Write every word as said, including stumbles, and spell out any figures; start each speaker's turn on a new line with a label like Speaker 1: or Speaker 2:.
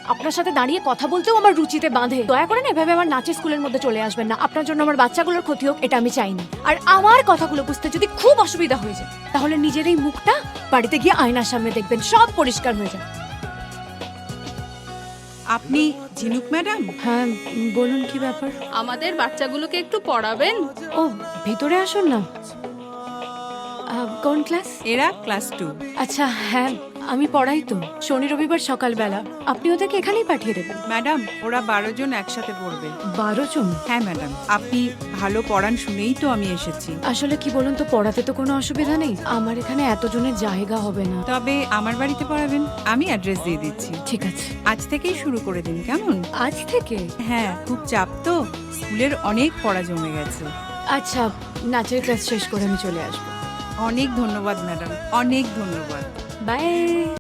Speaker 1: আপনার সাথে দাঁড়িয়ে কথা বলতেও আমার রুচিতে বাঁধে। দয়া করে না এভাবে আমার নাচের স্কুলের মধ্যে চলে আসবেন না। আপনার জন্য আমার বাচ্চাগুলোর ক্ষতি হোক এটা আমি চাইনি। আর আমার কথাগুলো বুঝতে যদি খুব অসুবিধা হয়ে যায় তাহলে নিজের এই মুখটা বাড়িতে গিয়ে আয়নার সামনে দেখবেন, সব পরিষ্কার হয়ে যায়।
Speaker 2: আপনি ঝিনুক ম্যাডাম?
Speaker 1: হ্যাঁ বলুন, কি ব্যাপার?
Speaker 3: আমাদের বাচ্চাগুলোকে একটু পড়াবেন।
Speaker 1: ও ভিতরে আসুন না। আহ, কোন ক্লাস?
Speaker 2: এরা ক্লাস টু।
Speaker 1: আচ্ছা হ্যাঁ, আমি পড়াই তো, শনি রবিবার সকালবেলা। আপনি ওদেরকে এখানেই পাঠিয়ে দেবেন।
Speaker 2: ম্যাডাম ওরা বারো জন একসাথে পড়বে।
Speaker 1: বারো জন?
Speaker 2: হ্যাঁ ম্যাডাম, আপনি ভালো পড়ান শুনেই তো আমি এসেছি।
Speaker 1: আসলে কি বলুন তো, পড়াতে তো কোনো অসুবিধা নেই, আমার এখানে এতজনের জায়গা হবে না।
Speaker 2: তবে আমার বাড়িতে পড়াবেন, আমি অ্যাড্রেস দিয়ে দিচ্ছি।
Speaker 1: ঠিক আছে।
Speaker 2: আজ থেকেই শুরু করে দিন কেমন?
Speaker 1: আজ থেকে?
Speaker 2: হ্যাঁ, খুব চাপ তো, স্কুলের অনেক পড়া জমে গেছে।
Speaker 1: আচ্ছা, নাচের ক্লাস শেষ করে আমি চলে আসবো।
Speaker 2: অনেক ধন্যবাদ ম্যাডাম, অনেক ধন্যবাদ।
Speaker 1: বাই।